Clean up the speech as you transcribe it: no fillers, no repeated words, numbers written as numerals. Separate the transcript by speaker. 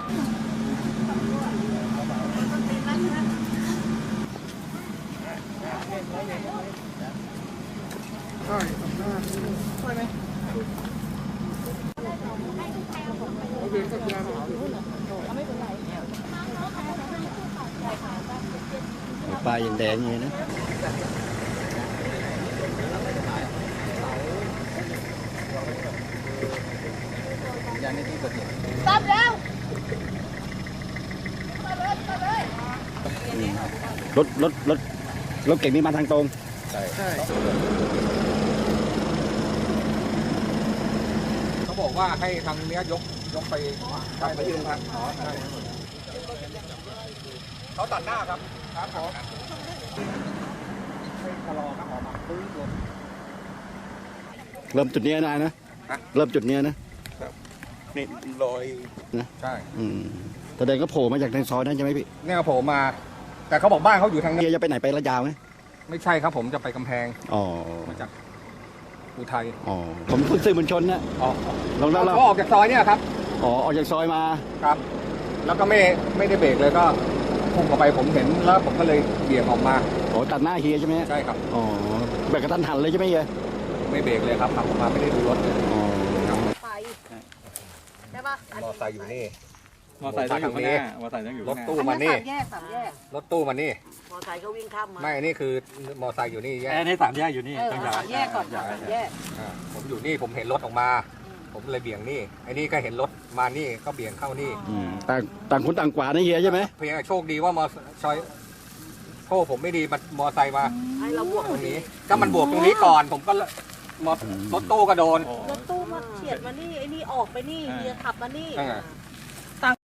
Speaker 1: ปลาอย่างแดงอย่างนี้นะ
Speaker 2: ตัดแล้ว
Speaker 1: รถเก่งนี่มาทางตรงใช่
Speaker 3: เขาบอกว่าให้ทางเนี้ยยกไปไปยืนทางเขาตัดหน้าครับครับผมให้ชะลอนะออกมาปื้น
Speaker 1: เริ่มจุดนี้นะเริ่มจุดนี้นะ
Speaker 3: นี่ลอยนะใช่
Speaker 1: แสดงก็โผล่มาจากทางซอยนั้นใช่ไหมพี่
Speaker 3: เนี่ยโผล่มา แต่เขาบอกบ้านเขาอยู่ทางนี้
Speaker 1: จะไปไหนไประยาวไหม
Speaker 3: ไม่ใช่ครับผมจะไปกำแพงมาจากอุทัย
Speaker 1: ผมเพิ่งซื้อมวลชนนะ
Speaker 3: เขาออกจากซอยเนี่ยครับ
Speaker 1: ออกจากซอยมา
Speaker 3: ครับแล้วก็ไม่ได้เบรกเลยก็พุ่งเข้าไปผมเห็นแล้วผมก็เลยเบี่ยงออกมา
Speaker 1: ตัดหน้าเฮียใช่ไหม
Speaker 3: ใช่ครับ
Speaker 1: เบรกกระทันหันเลยใช่ไหมเฮีย
Speaker 3: ไม่เบรกเลยครับขับออกมาไม่ได้ดูรถเลย
Speaker 2: ไปใช่ปะ
Speaker 3: มอไซค์อยู่นี่
Speaker 4: มอไซค์ต้องอยู่ข้างหน้ามอไซค์ต้องอยู่
Speaker 3: รถตู้มานี่
Speaker 2: สามแยก
Speaker 3: รถตู้มานี่
Speaker 2: มอไซค์เขาวิ่งข้ามมา
Speaker 3: ไม่นี่คือมอไซค์อยู่นี่
Speaker 4: นี่สามแยกอยู่นี่
Speaker 2: สามแยกก่อนสามแยก
Speaker 3: ผมอยู่นี่ผมเห็นรถออกมาผมเลยเบี่ยงนี่ไอ้นี่ก็เห็นรถมานี่ก็เบี่ยงเข้านี่
Speaker 1: ต่างคนต่างกว่านี่เฮียใช่ไหไหม
Speaker 3: เพียงโชคดีว่ามอไซค์โชคผมไม่ดีมันมอไซค์มา
Speaker 2: ให้เราบวก
Speaker 3: ตรงนี้ถ้ามันบวกตรงนี้ก่อนผมก็รถตู้ก็โดน
Speaker 2: รถตู้มาเฉียดมานี่ไอ้นี่ออกไปนี่เฮียขับมานี่